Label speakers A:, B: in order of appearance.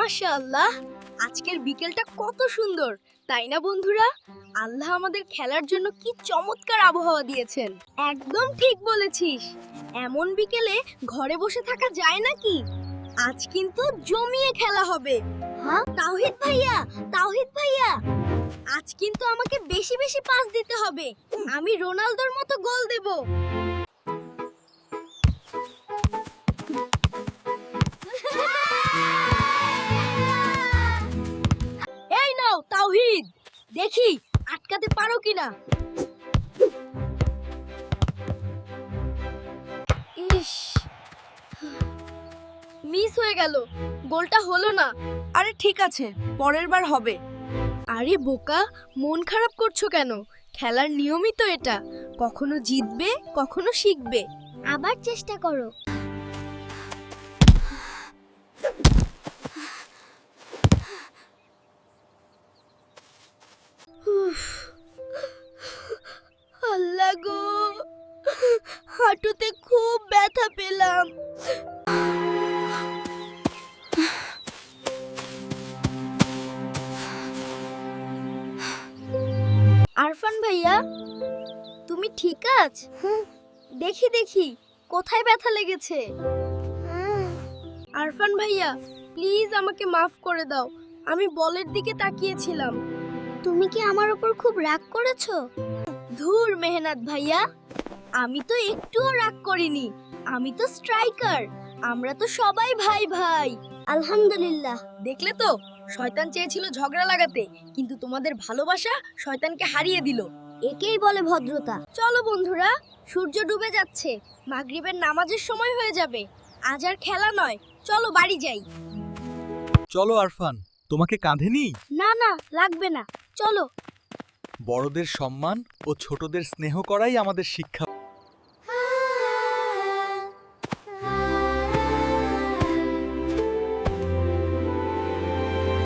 A: মাশাআল্লাহ, আজকের বিকেলটা কত সুন্দর, তাই না বন্ধুরা? আল্লাহ আমাদের খেলার জন্য কি চমৎকার আবহাওয়া দিয়েছেন। একদম ঠিক বলেছিস। এমন বিকেলে ঘরে বসে থাকা যায় নাকি? আজ কিন্তু জমিয়ে খেলা হবে। হ্যাঁ তাওহীদ ভাইয়া, তাওহীদ ভাইয়া, আজ কিন্তু আমাকে বেশি বেশি পাস দিতে হবে। আমি রোনালদোর মতো গোল দেব। এই নাও তাওহীদ, দেখি আটকাতে পারো কিনা। ইস, মিস হয়ে গেল, গোলটা হলো না।
B: আরে ঠিক আছে, পরের বার হবে।
A: আরে বোকা, মন খারাপ করছো কেন? খেলার নিয়মই তো এটা, কখনো জিতবে কখনো শিখবে। আবার চেষ্টা করো। উফ, আল্লাহ গো, হাঁটুতে খুব ব্যথা পেলাম। আরফান ভাইয়া, তুমি ঠিক আছ? দেখি দেখি কোথায় ব্যথা লেগেছে। আরফান ভাইয়া, প্লিজ আমাকে মাফ করে দাও, আমি বলের দিকে তাকিয়েছিলাম। তুমি কি আমার উপর খুব রাগ করেছো? ধুর মেহনাত ভাইয়া, আমি তো একটুও রাগ করিনি। আমি তো স্ট্রাইকার, আমরা তো সবাই ভাই ভাই। আলহামদুলিল্লাহ। দেখলে তো, শয়তান চেয়েছিল ঝগড়া লাগাতে, কিন্তু তোমাদের ভালোবাসা শয়তানকে হারিয়ে দিল। একেই বলে ভদ্রতা। চলো বন্ধুরা, সূর্য ডুবে যাচ্ছে, মাগরিবের নামাজের সময় হয়ে যাবে। আজ আর খেলা নয়, চলো বাড়ি যাই।
C: চলো আরফান, তোমাকে কাঁধে নিই।
A: না না, লাগবে না, চলো।
C: বড়দের সম্মান ও ছোটদের স্নেহ করাই আমাদের শিক্ষা।